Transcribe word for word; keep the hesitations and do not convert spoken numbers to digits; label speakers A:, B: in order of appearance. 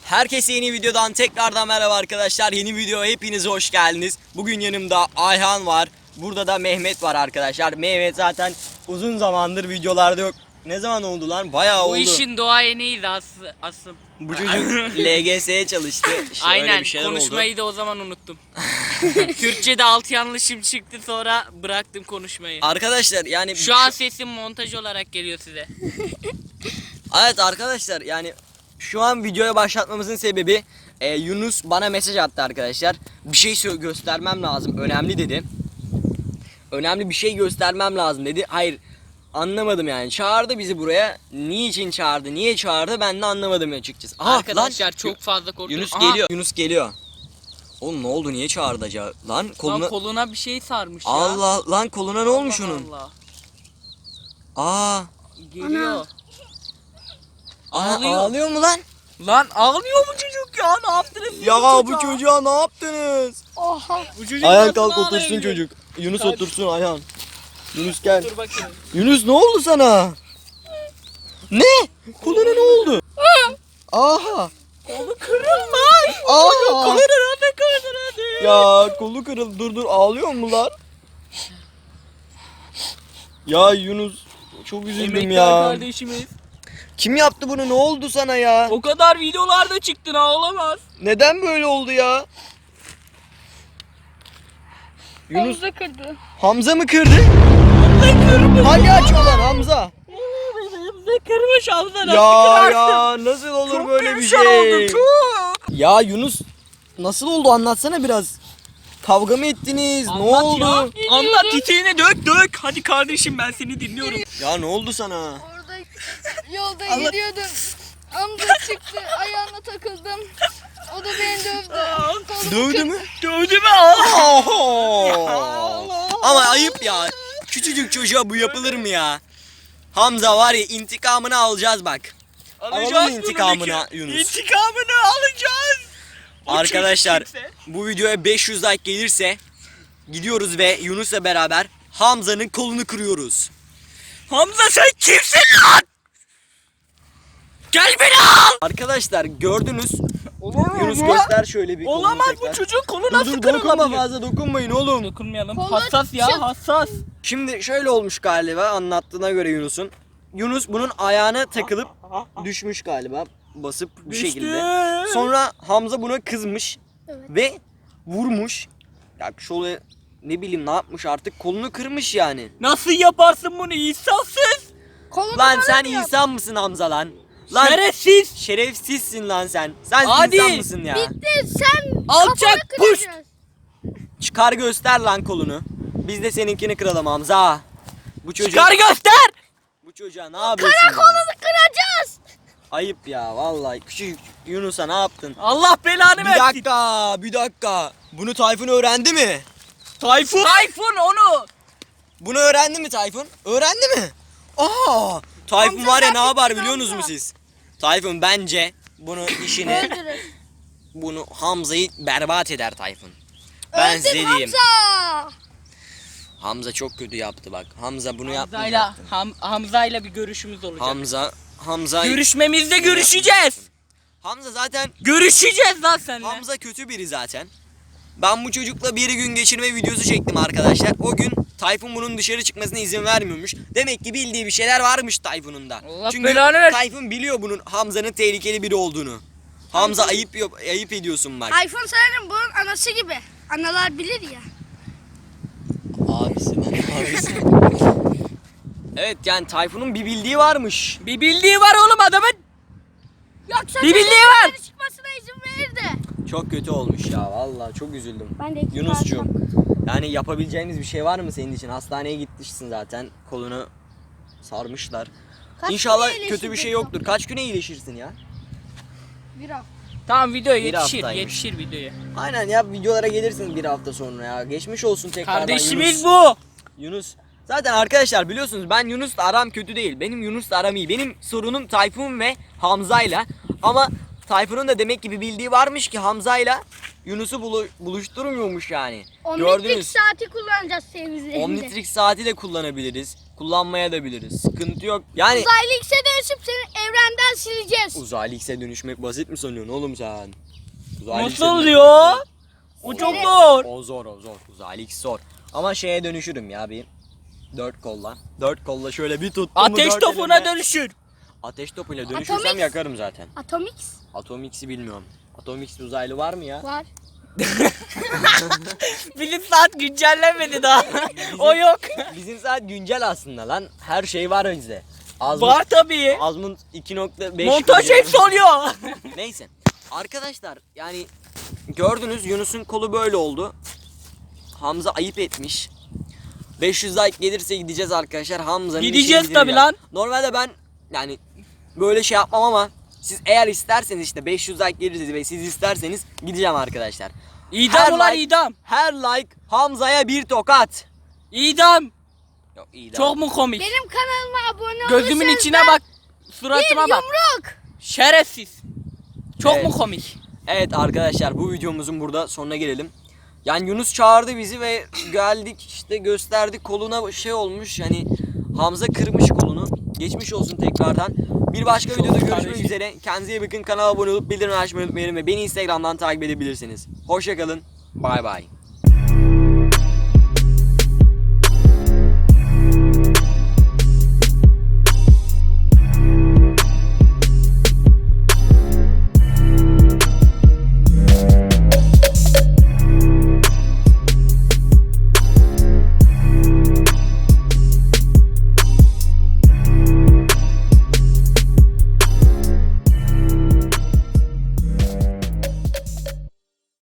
A: Herkese yeni videodan tekrardan merhaba arkadaşlar. Yeni videoya hepiniz hoş geldiniz. Bugün yanımda Ayhan var. Burada da Mehmet var arkadaşlar. Mehmet zaten uzun zamandır videolarda yok. Ne zaman oldu lan? Bayağı
B: Bu
A: oldu.
B: Bu işin doğayeniydi aslı, asıl.
A: Bu çocuk L G S'ye çalıştı. İşte
B: Aynen,
A: bir
B: konuşmayı
A: oldu.
B: da o zaman unuttum. Türkçe'de alt yanlışım çıktı, sonra bıraktım konuşmayı.
A: Arkadaşlar yani
B: Şu an sesim montaj olarak geliyor size.
A: Evet arkadaşlar, yani şu an videoya başlatmamızın sebebi e, Yunus bana mesaj attı arkadaşlar. Bir şey sö- göstermem lazım, önemli dedi. Önemli bir şey göstermem lazım dedi. Hayır, anlamadım yani. Çağırdı bizi buraya. Niçin çağırdı? Niye çağırdı? Ben de anlamadım açıkçası. Aha,
B: Arkadaşlar
A: lan,
B: çok fazla korktum.
A: Yunus
B: Aha,
A: geliyor. Yunus geliyor. Oğlum ne oldu? Niye çağırdı acaba? Lan koluna
B: Lan koluna bir şey sarmış ya.
A: Allah, lan koluna ne olmuş
B: Allah
A: onun?
B: Allah.
A: Aa,
B: Geliyor.
A: Aa,
B: Ağlıyor.
A: ağlıyor mu lan?
B: Lan ağlıyor mu çocuk ya? Ne yaptınız siz
A: Ya
B: bu
A: bu
B: çocuğa?
A: çocuğa ne yaptınız?
B: Oha. Bu çocuk
A: Ayhan
B: nasıl
A: kalk otursun
B: ağlayabiliyor?
A: çocuk. Yunus
B: Kalk.
A: otursun Ayhan. Yunus gel.
B: Dur bakayım.
A: Yunus ne oldu sana? Ne? Koluna ne oldu? Aha.
B: Kolu kırılmış.
A: Aha.
B: Kolu nerede kırdın?
A: Ya kolu kırıldı. Dur dur, ağlıyor mu lan? Ya Yunus, çok üzüldüm
B: Emektar
A: ya.
B: kardeşimiz.
A: Kim yaptı bunu? Ne oldu sana ya?
B: O kadar videolarda çıktın, ağlamaz.
A: Neden böyle oldu ya? Yunus
C: Hamza kırdı.
A: Hamza mı kırdı? Hadi aç ulan Hamza.
B: Ne kırmış Hamza, nasıl
A: Ya
B: kırarsın?
A: ya nasıl olur
B: Çok
A: böyle bir
B: perişan
A: şey?
B: oldum, çok.
A: Ya Yunus, nasıl oldu, anlatsana biraz. Kavga mı ettiniz?
B: Anlat
A: ne oldu?
B: ya. Anlat, titiğine dök dök. Hadi kardeşim, ben seni dinliyorum.
A: Ya ne oldu sana?
C: Orada yolda
B: Allah-
C: gidiyordum. Hamza çıktı, ayağına takıldım. O da beni dövdü. Kolumu
A: Dövdü
C: kırdı.
A: mü?
B: Dövdü mü?
A: Ama ayıp ya. Küçücük çocuğa bu yapılır mı ya? Hamza var ya, intikamını alacağız bak. Alalım
B: Alacağız
A: intikamını
B: bunu.
A: Yunus.
B: İntikamını alacağız. O
A: Arkadaşlar,
B: çocuk kimse.
A: bu videoya beş yüz like gelirse gidiyoruz ve Yunus'la beraber Hamza'nın kolunu kırıyoruz.
B: Hamza, sen kimsin lan? Gel beni al.
A: Arkadaşlar gördünüz.
B: Olur
A: Yunus göster şöyle bir kolunu
B: Olamaz,
A: tekrar.
B: bu çocuğun kolu
A: Dur
B: nasıl
A: dur, dokunma
B: kırılabilir?
A: fazla, dokunmayın oğlum.
B: Dokunmayalım.
C: Kolu
B: Hassas ya,
C: çık-
B: hassas.
A: Şimdi şöyle olmuş galiba, anlattığına göre Yunus'un. Yunus bunun ayağına takılıp düşmüş galiba, basıp bu
B: Düştü.
A: şekilde. Sonra Hamza buna kızmış
C: Evet.
A: ve vurmuş. Ya şöyle, ne bileyim ne yapmış artık, kolunu kırmış yani.
B: Nasıl yaparsın bunu insafsız?
C: Kolumu
A: Lan
C: bana
A: sen
C: mı yaptı?
A: insan mısın Hamza lan? Lan
B: Şerefsiz.
A: şerefsizsin lan sen. Sen
B: Hadi.
A: insan mısın ya?
C: Bitti, sen
B: Alçak
C: kafanı
B: puş.
C: kıracağız.
A: Çıkar göster lan kolunu. Biz de seninkini kıralım Hamza. Bu çocuk,
B: Çıkar göster.
A: bu çocuğa ne yapıyorsun? ya?
C: Kolunu kıracağız.
A: Ayıp ya vallahi, küçük Yunus'a ne yaptın?
B: Allah belanı
A: Bir
B: versin.
A: dakika, bir dakika. Bunu Tayfun öğrendi mi?
B: Tayfun. Tayfun onu.
A: Bunu öğrendi mi Tayfun? Öğrendi mi? Aa! Tayfun
C: Hamza
A: var ya,
C: sen
A: ne yapar
C: gittin
A: biliyorsunuz mu
C: Hamza.
A: siz? Tayfun bence bunu işini,
C: Öldürün.
A: bunu Hamza'yı berbat eder Tayfun. Ben
C: Öldür
A: size diyeyim.
C: Hamza.
A: Hamza çok kötü yaptı bak. Hamza bunu
B: Hamza'yla
A: yapmayacaktı.
B: Ham, Hamza'yla bir görüşümüz olacak.
A: Hamza, Hamza,
B: Görüşmemizde görüşeceğiz.
A: Hamza zaten,
B: Görüşeceğiz lan seninle.
A: Hamza kötü biri zaten. Ben bu çocukla bir gün geçirme videosu çektim arkadaşlar. O gün Tayfun bunun dışarı çıkmasına izin vermiyormuş. Demek ki bildiği bir şeyler varmış Tayfun'un da.
B: Allah
A: Çünkü
B: belanı versin.
A: Tayfun biliyor bunun, Hamza'nın tehlikeli biri olduğunu. Hamza ayıp yap- ayıp ediyorsun bak.
C: iPhone sanırım bunun anası gibi. Analar bilir ya.
A: Abisi lan, abisi. Evet, yani Tayfun'un bir bildiği varmış.
B: Bir bildiği var oğlum adamın.
C: Yoksa
B: Bir bildiği
C: benim
B: var.
C: dışarı çıkmasına izin verirdi.
A: Çok kötü olmuş ya, vallahi çok üzüldüm.
C: Ben de iki
A: Yunus'cuğum,
C: parçam.
A: yani yapabileceğimiz bir şey var mı senin için? Hastaneye gitmişsin zaten, kolunu sarmışlar.
C: Kaç
A: İnşallah
C: güne
A: kötü bir şey
C: iyileşecek
A: yoktur. Kaç güne iyileşirsin ya?
C: Bir hafta.
B: Tamam, video
A: Bir
B: yetişir,
A: haftaymış.
B: yetişir videoya.
A: Aynen ya, videolara gelirsiniz bir hafta sonra ya. Geçmiş olsun tekrardan
B: Kardeşimiz
A: Yunus.
B: bu.
A: Yunus. Zaten arkadaşlar biliyorsunuz, ben Yunus'la aram kötü değil. Benim Yunus'la aram iyi. Benim sorunum Tayfun ve Hamza'yla. Ama Tayfun'un da demek ki bir bildiği varmış ki Hamza'yla Yunus'u bulu- buluşturmuyormuş yani.
C: Omnitrix
A: Gördünüz.
C: saati kullanacağız temizliğinde.
A: Omnitrix saati de kullanabiliriz. kullanmaya da biliriz. Sıkıntı yok. Yani
C: Uzaylı X'e dönüşüp seni evrenden sileceğiz.
A: uzaylı X'e dönüşmek basit mi sanıyorsun oğlum sen? Uzaylı X'e
B: Nasıl
A: dönüşmek-
B: oluyor? O çok zor.
A: O zor o zor. Uzaylı X zor. Ama şeye dönüşürüm ya bir. Dört kolla. Dört kolla şöyle bir tuttum mu
B: Ateş
A: dört
B: topuna
A: elimle-
B: dönüşür.
A: Ateş topuyla dönüşürsem
C: Atomix.
A: yakarım zaten.
C: Atomix
A: Atomix'i bilmiyorum. Atomix uzaylı var mı ya?
C: var.
B: Bilim saat güncellenmedi daha. O yok.
A: Bizim saat güncel aslında lan. Her şey var bizde. Azmut,
B: Var tabii.
A: Azmut iki nokta beş.
B: Montaj hepsi oluyor.
A: Neyse. Arkadaşlar yani gördünüz Yunus'un kolu böyle oldu. Hamza ayıp etmiş. beş yüz like gelirse gideceğiz arkadaşlar. Hamza'nın
B: Gideceğiz
A: işini
B: tabii
A: bitireceğiz.
B: lan.
A: Normalde ben yani böyle şey yapmam ama siz eğer isterseniz işte beş yüz like gelirse ve siz isterseniz gideceğim arkadaşlar.
B: İdam
A: Her
B: ulan
A: like-
B: idam.
A: Her like Hamza'ya bir tokat.
B: İdam.
A: Yok iyi de-
B: Çok mu komik?
C: Benim kanalıma abone
B: Gözümün
C: olursanız
B: içine
C: ben
B: bak.
C: bir
B: Suratıma bak.
C: yumruk.
B: Şerefsiz. Çok
A: Evet.
B: mu komik?
A: Evet arkadaşlar bu videomuzun burada sonuna gelelim. Yani Yunus çağırdı bizi ve geldik işte gösterdik koluna şey olmuş yani Hamza kırmış kolunu. Geçmiş olsun tekrardan. Bir başka videoda görüşmek
B: kardeşim.
A: üzere. Kendinize iyi bakın. Kanala abone olup bildirim açmayı unutmayın ve beni Instagram'dan takip edebilirsiniz. Hoşça kalın. Bay bay.